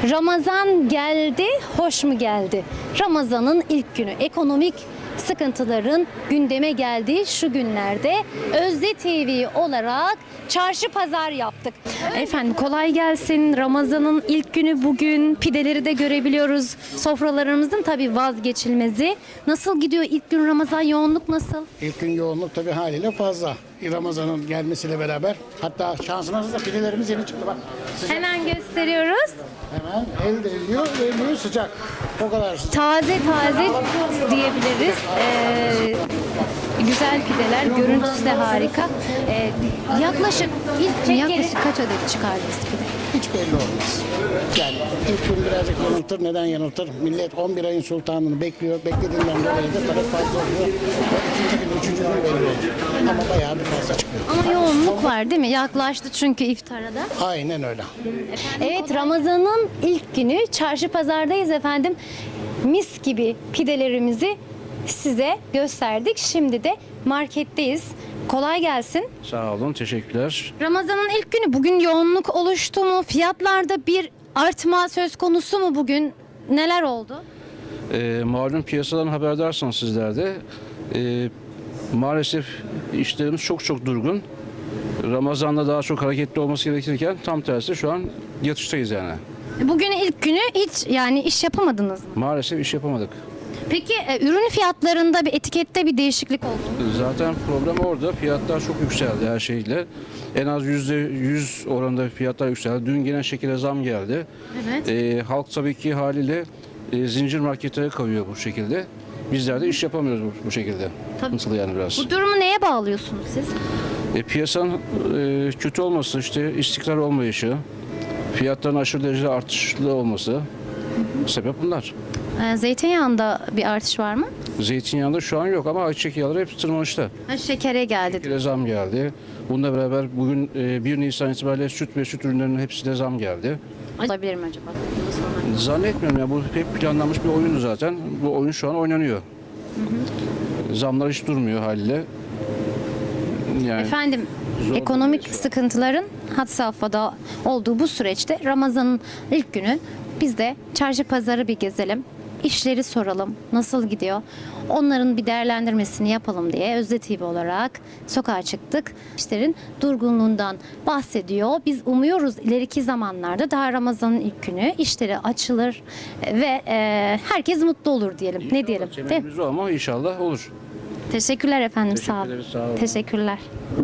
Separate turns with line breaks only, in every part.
Ramazan geldi, hoş mu geldi? Ramazan'ın ilk günü, ekonomik sıkıntıların gündeme geldiği şu günlerde Özde TV olarak çarşı pazar yaptık. Efendim kolay gelsin. Ramazan'ın ilk günü bugün. Pideleri de görebiliyoruz. Sofralarımızın tabii vazgeçilmezi. Nasıl gidiyor ilk gün Ramazan? Yoğunluk nasıl?
İlk gün yoğunluk tabii haliyle fazla. Ramazan'ın gelmesiyle beraber. Hatta şansınız da pidelerimiz yeni çıktı bak. Sıcak.
Hemen gösteriyoruz.
Hemen el değiyor, değmiyor sıcak. O kadar sıcak.
Taze diyebiliriz. Güzel pideler, görüntüsü de harika. Yaklaşık kaç adet çıkardınız pide?
Hiç belli olmaz. Yani ilk gün birazcık yanıltır. Neden yanıltır? Millet 11 ayın sultanını bekliyor. Beklediğinden dolayı da talep fazla oluyor. Ve ikinci gün, üçüncü gün belli oluyor. Ama bayağı bir fazla çıkıyor.
Ama yoğunluk var değil mi? Yaklaştı çünkü iftara da.
Aynen öyle.
Evet, Ramazan'ın ilk günü çarşı pazardayız efendim. Mis gibi pidelerimizi size gösterdik. Şimdi de marketteyiz. Kolay gelsin.
Sağ olun, teşekkürler.
Ramazan'ın ilk günü, bugün yoğunluk oluştu mu? Fiyatlarda bir artma söz konusu mu bugün? Neler oldu?
Malum piyasadan haberdarsınız sizler de. Maalesef işlerimiz çok durgun. Ramazan'da daha çok hareketli olması gerekirken tam tersi şu an yatıştayız yani.
Bugün ilk günü hiç yani iş yapamadınız mı?
Maalesef iş yapamadık.
Peki ürün fiyatlarında bir etikette bir değişiklik oldu mu?
Zaten problem orada. Fiyatlar çok yükseldi her şeyle. En az %100 oranında fiyatlar yükseldi. Dün gene şekilde zam geldi.
Evet.
Halk tabii ki haliyle zincir marketlere kayıyor bu şekilde. Bizler de iş yapamıyoruz bu şekilde.
Tabii.
Nasıl yani biraz?
Bu durumu neye bağlıyorsunuz siz?
Piyasanın kötü olması, işte istikrar olmayışı, fiyatların aşırı derecede artışlı olması sebep bunlar.
Zeytinyağında bir artış var mı?
Zeytinyağında şu an yok ama ayçiçek yağları hep tırmanışta.
Şekere geldi.
Bir de zam geldi. Bununla beraber bugün 1 Nisan itibariyle süt ve süt ürünlerinin hepsine zam geldi.
Olabilir mi acaba?
Zannetmiyorum ya, bu hep planlanmış bir oyundu zaten. Bu oyun şu an oynanıyor. Zamlar hiç durmuyor haliyle. Yani
Efendim,
zor
ekonomik
bir süreç.
sıkıntıların had safhada olduğu bu süreçte Ramazan'ın ilk günü biz de çarşı pazarı bir gezelim. İşleri soralım. Nasıl gidiyor? Onların bir değerlendirmesini yapalım diye Özde TV olarak sokağa çıktık. İşlerin durgunluğundan bahsediyor. Biz umuyoruz ileriki zamanlarda daha Ramazan'ın ilk günü işleri açılır ve herkes mutlu olur diyelim. Ne diyelim? Değil mi?
Temennimiz o ama inşallah olur.
Teşekkürler efendim.
Teşekkür
Sağ olun.
ederiz, sağ olun.
Teşekkürler.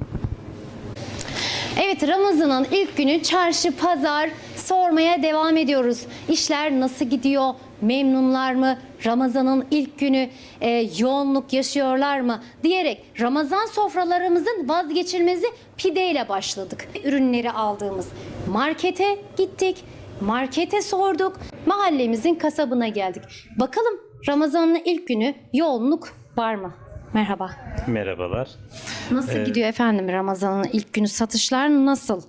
Evet, Ramazan'ın ilk günü çarşı pazar sormaya devam ediyoruz. İşler nasıl gidiyor? Memnunlar mı? Ramazan'ın ilk günü yoğunluk yaşıyorlar mı? Diyerek Ramazan sofralarımızın vazgeçilmezi pideyle başladık. Ürünleri aldığımız markete gittik. Markete sorduk. Mahallemizin kasabına geldik. Bakalım Ramazan'ın ilk günü yoğunluk var mı? Merhaba.
Merhabalar.
Nasıl gidiyor efendim Ramazan'ın ilk günü? Satışlar nasıl?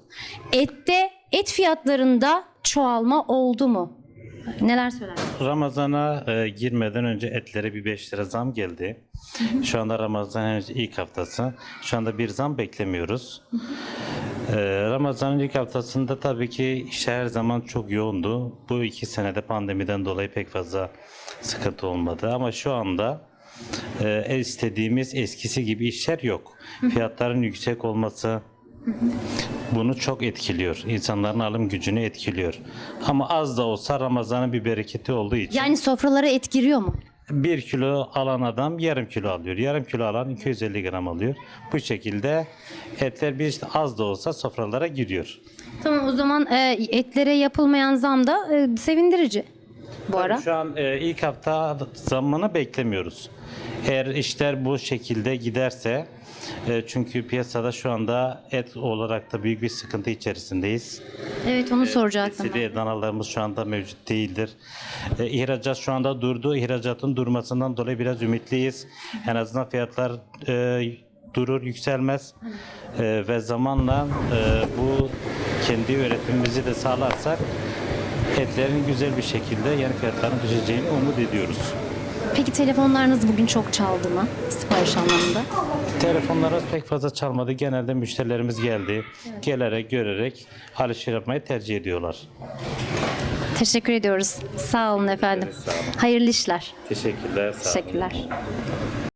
Et fiyatlarında çoğalma oldu mu? Neler söylersiniz?
Ramazana girmeden önce etlere bir 5 lira zam geldi. Şu anda Ramazan henüz ilk haftası. Şu anda bir zam beklemiyoruz. Ramazan'ın ilk haftasında tabii ki işler her zaman çok yoğundu. Bu 2 senede pandemiden dolayı pek fazla sıkıntı olmadı. Ama şu anda istediğimiz eskisi gibi işler yok. Fiyatların yüksek olması bunu çok etkiliyor. İnsanların alım gücünü etkiliyor. Ama az da olsa Ramazan'ın bir bereketi olduğu için.
Yani sofralara et giriyor mu?
1 kilo alan adam yarım kilo alıyor. Yarım kilo alan 250 gram alıyor. Bu şekilde etler bir az da olsa sofralara giriyor.
Tamam, o zaman etlere yapılmayan zam da sevindirici bu ara.
Şu an ilk hafta zammını beklemiyoruz. Eğer işler bu şekilde giderse çünkü piyasada şu anda et olarak da büyük bir sıkıntı içerisindeyiz.
Evet, onu soracaktım ben.
Besili danalarımız şu anda mevcut değildir. İhracat şu anda durdu. İhracatın durmasından dolayı biraz ümitliyiz. En azından fiyatlar durur, yükselmez. Ve zamanla bu kendi üretimimizi de sağlarsak etlerin güzel bir şekilde yani fiyatların düşeceğini umut ediyoruz.
Peki telefonlarınız bugün çok çaldı mı sipariş anlamında?
Telefonlarımız pek fazla çalmadı. Genelde müşterilerimiz geldi. Gelerek, görerek alışveriş yapmayı tercih ediyorlar.
Teşekkür ediyoruz. Sağ olun efendim.
Sağ olun.
Hayırlı işler.
Teşekkürler. Sağ olun.
Teşekkürler.